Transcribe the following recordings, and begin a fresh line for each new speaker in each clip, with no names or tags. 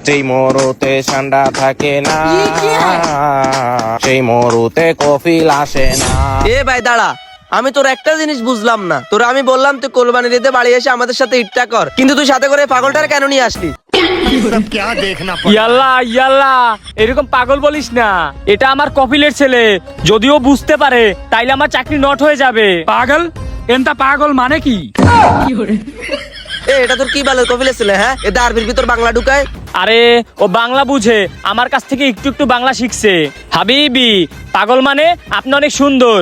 যেই মরুতে ঠান্ডা থাকে না সেই মরুতে কফিল আসে না।
এ ভাই দাঁড়া, আমি তোর একটা জিনিস বুঝলাম না। তোর আমি বললাম তুই কোরবানি দিতে বাড়ি এসে আমাদের সাথে ইটটা কর, কিন্তু তুই সাথে করে পাগলটার কেন নিয়ে আসলি?
ইয়াল্লা ইয়াল্লা, এরকম পাগল বলিস না, এটা আমার কপিলের ছেলে। যদিও বুঝতে পারে তাইলে আমার চাকরি নট হয়ে যাবে।
পাগল? এনতা পাগল মানে কি?
এটা তোর কি বালের কপিলের ছেলে? হ্যাঁ, এটা আরবির ভিতর বাংলা ঢুকায়।
আরে ও বাংলা বুঝে, আমার কাছ থেকে একটু একটু বাংলা শিখছে। হাবিবি, পাগল মানে আপনি অনেক সুন্দর।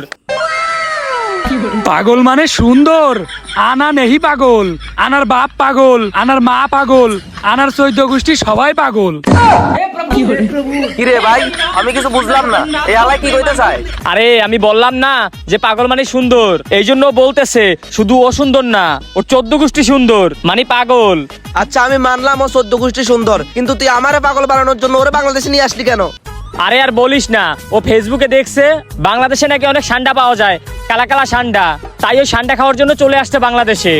পাগল মানে সুন্দর? আনা নেহি পাগল, আনার বাপ পাগল, আনার মা পাগল, আনার 14 গোষ্ঠী সবাই পাগল।
কিরে ভাই, আমি কিছু বুঝলাম না, এই আলাই কি কইতে চায়?
আরে আমি বললাম না যে পাগল মানে সুন্দর, এই জন্য বলতেছে শুধু ও সুন্দর না, ও 14 গোষ্ঠী সুন্দর মানে পাগল।
আচ্ছা আমি মানলাম ও 14 গোষ্ঠী সুন্দর, কিন্তু তুই আমারে পাগল বানানোর জন্য ওরে বাংলাদেশে নিয়ে আসলি কেন?
আরে আর বলিস না, ও ফেসবুকে দেখছে বাংলাদেশে নাকি অনেক সান্ডা পাওয়া যায়, কালা কালা সান্ডা, তাই ওই সান্ডা খাওয়ার জন্য চলে আসছে বাংলাদেশে।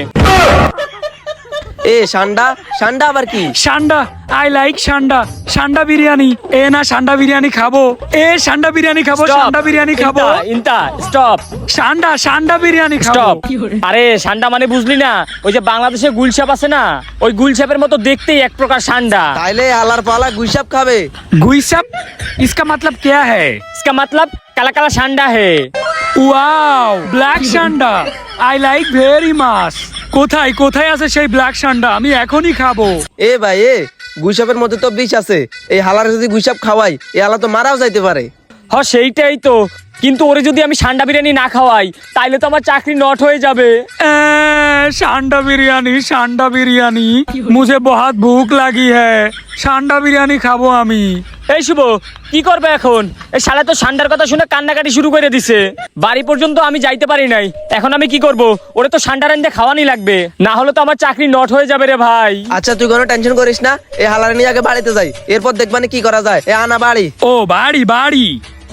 এ সান্ডা? সান্ডা আবার কি?
সান্ডা, আই লাইক সান্ডা। সান্ডা বিরিয়ানি। এ না সান্ডা বিরিয়ানি খাবো, এ সান্ডা বিরিয়ানি খাবো, সান্ডা বিরিয়ানি খাবো।
ইনতা স্টপ।
সান্ডা, সান্ডা বিরিয়ানি খাবো।
স্টপ। আরে সান্ডা মানে বুঝলি না, ওই যে বাংলাদেশে গুলশাপ আছে না, ওই গুলশাপের মতো দেখতেই এক প্রকার সান্ডা।
তাইলে আলার পালা গুইসাপ খাবে?
गुइसप? इसका मतलब क्या है?
इसका मतलब काला काला सान्डा है।
Wow, black sanda. I like very much. কোথায় কোথায় আছে সেই ব্ল্যাক সান্ডা? আমি এখনই খাবো।
এ ভাই, গুইসাপের মধ্যে তো বিষ আছে। এই হালার যদি গুইসাপ খাওয়াই, এই হালা তো মারাও যাইতে পারে।
হ্যাঁ সেইটাই তো, কিন্তু ওরে যদি আমি সান্ডা বিরিয়ানি না খাওয়াই তাইলে তো আমার চাকরি নট হয়ে যাবে।
सांडा बिरयानी, सांडा बिरयानी, मुझे बहुत भूख लगी है। सांडा बिरयानी খাবো আমি।
এই শুভ, কি করবে এখন? এই শালা তো সান্ডার কথা শুনে কান্নাকাটি শুরু করে দিছে। বাড়ি পর্যন্ত আমি যাইতে পারি নাই, এখন আমি কি করব? ওরে তো সান্ডা রান্দে খাওয়ানি লাগবে, না হলে তো আমার চাকরি নট হয়ে যাবে রে ভাই।
আচ্ছা তুই কোনো টেনশন করিস না, এই হালার নিয়ে আগে বাড়িতে যাই, এরপর দেখবানি কি করা যায়। এ আনা বাড়ি।
ও বাড়ি বাড়ি।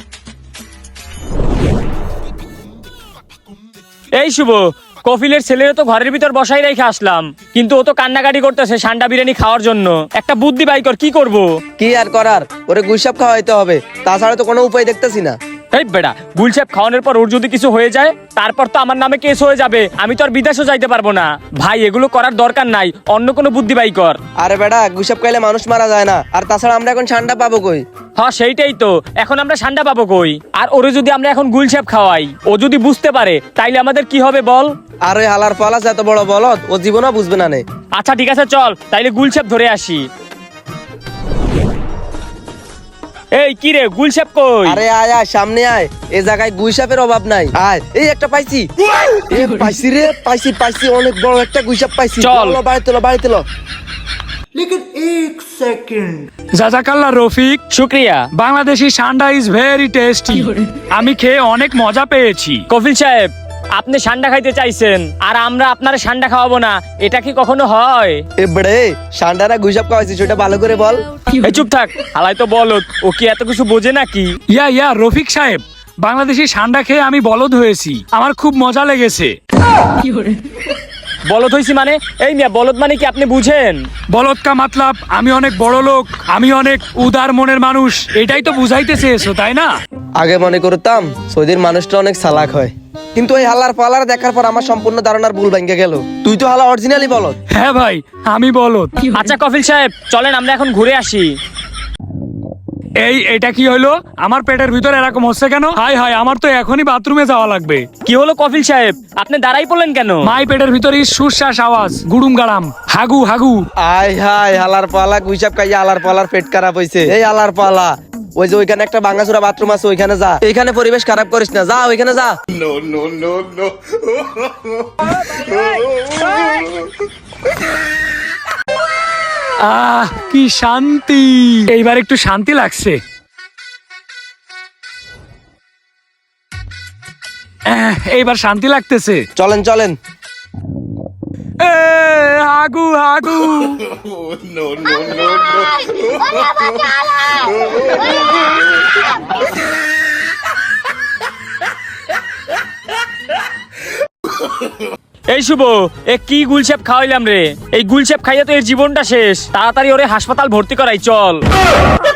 এই শুভ, কফিলের ছেলের তো ঘরের ভিতর বসাই রেখে আসলাম, কিন্তু ও তো কান্নাকাটি করতেছে সান্ডা বিরিয়ানি খাওয়ার জন্য। একটা বুদ্ধি বাই কর, কি করব?
কি আর করার, ওরে গুইসাপ খাওয়াইতে হবে, তাছাড়া তো কোনো উপায় দেখতেছি না।
এই বেটা, গুলশাপ খাওয়ানোর পর ওর যদি কিছু হয়ে যায় তারপর তো আমার নামে কেস হয়ে যাবে, আমি তো আর বিদেশও যাইতে পারবো না। ভাই এগুলো করার দরকার নাই, অন্য কোনো বুদ্ধি বাই কর।
আরে বেটা, গুইসাপ খাইলে মানুষ মারা যায় না, আর তাছাড়া আমরা এখন ঠান্ডা পাবো কই?
হ্যাঁ সেইটাই তো, এখন আমরা সান্ডা পাবো কই? আর ওরে যদি আমরা এখন গুলশাপ খাওয়াই, ও যদি বুঝতে পারে তাইলে আমাদের কি হবে বল?
আর ওই হালার পালাস এত বড় বলদ, ও জীবনও বুঝবে না নে।
আচ্ছা ঠিক আছে, চল তাইলে গুলশাপ ধরে আসি। এই কি রে, গুলশাপ কই?
আরে আয় আয়, সামনে আয়, এ জায়গায় গুইসাপের অভাব নাই। আয়, এই একটা পাইছি। এ পাইছি রে, পাইছি পাইছি, অনেক বড় একটা গুইসাপ পাইছি।
চল।
চলো বাড়ি তোলো, বাড়ি তোলো।
জাজাকাল্লা রফিক।
শুক্রিয়া।
বাংলাদেশি সান্ডা ইজ ভেরি টেস্টি। আমি খেয়ে অনেক মজা পেয়েছি।
কফিল সাহেব, আপনি সান্ডা খাইতে চাইছেন আর আমরা আপনার সান্ডা খাওয়াবো না, এটা কি কখনো হয়?
এ বড়ে, সান্ডারা গুইসাপ খাওয়াইছি, সেটা ভালো করে বল।
এই চুপ থাক, হালাই তো বলদ, ও কি এত কিছু বোঝে নাকি?
ইয়া রফিক সাহেব, বাংলাদেশি সান্ডা খেয়ে আমি বলদ হয়েছি, আমার খুব মজা লেগেছে।
বলদ হইছি মানে? এই মিয়া, বলদ মানে কি আপনি বুঝেন?
বলদ কা মাতলাব আমি অনেক বড় লোক, আমি অনেক উদার মনের মানুষ, এটাই তো বুঝাইতে চেয়েছো তাই না?
আগে মনে করতাম সৌদির মানুষটা অনেক চালাক হয়, কিন্তু এই হালার পালার দেখার পর আমার সম্পূর্ণ ধারণার ভুল ভেঙে গেল। তুই তো হালা অরিজিনালি বলদ।
হ্যাঁ ভাই, আমি বলদ।
আচ্ছা কফিল সাহেব, চলেন আমরা এখন ঘুরে আসি।
এটা কি হলো? আমার পেটের ভিতর এরকম হচ্ছে কেন? হাই হাই, আমার তো এখনই বাথরুমে যাওয়া লাগবে।
কি হলো কফিল সাহেব, আপনি দাঁড়াই পড়লেন কেন?
মাই পেটের ভিতরে সুশ্বাস আওয়াজ, গুড়ুম গাড়াম, হাগু হাগু।
আয় হাই, হালার পালা গুইসাপ খাইয়া হালার পালার পেট খারাপ হইছে। এই হালার পালা, ওই যে ওইখানে একটা ভাঙাচোরা বাথরুম আছে, ওইখানে যা। এইখানে পরিবেশ খারাপ করিস না, যা ওইখানে যা।
আহ কি শান্তি, এইবার একটু শান্তি লাগছে। এইবার শান্তি লাগতেছে।
চলেন চলেন।
হাগু হাগু।
এই শুভ, এ কি গুলশেপ খাওয়াইলাম রে। এই গুলশেপ খাইয়া তো এর জীবনটা শেষ। তাড়াতাড়ি ওরে হাসপাতাল ভর্তি করাই চল।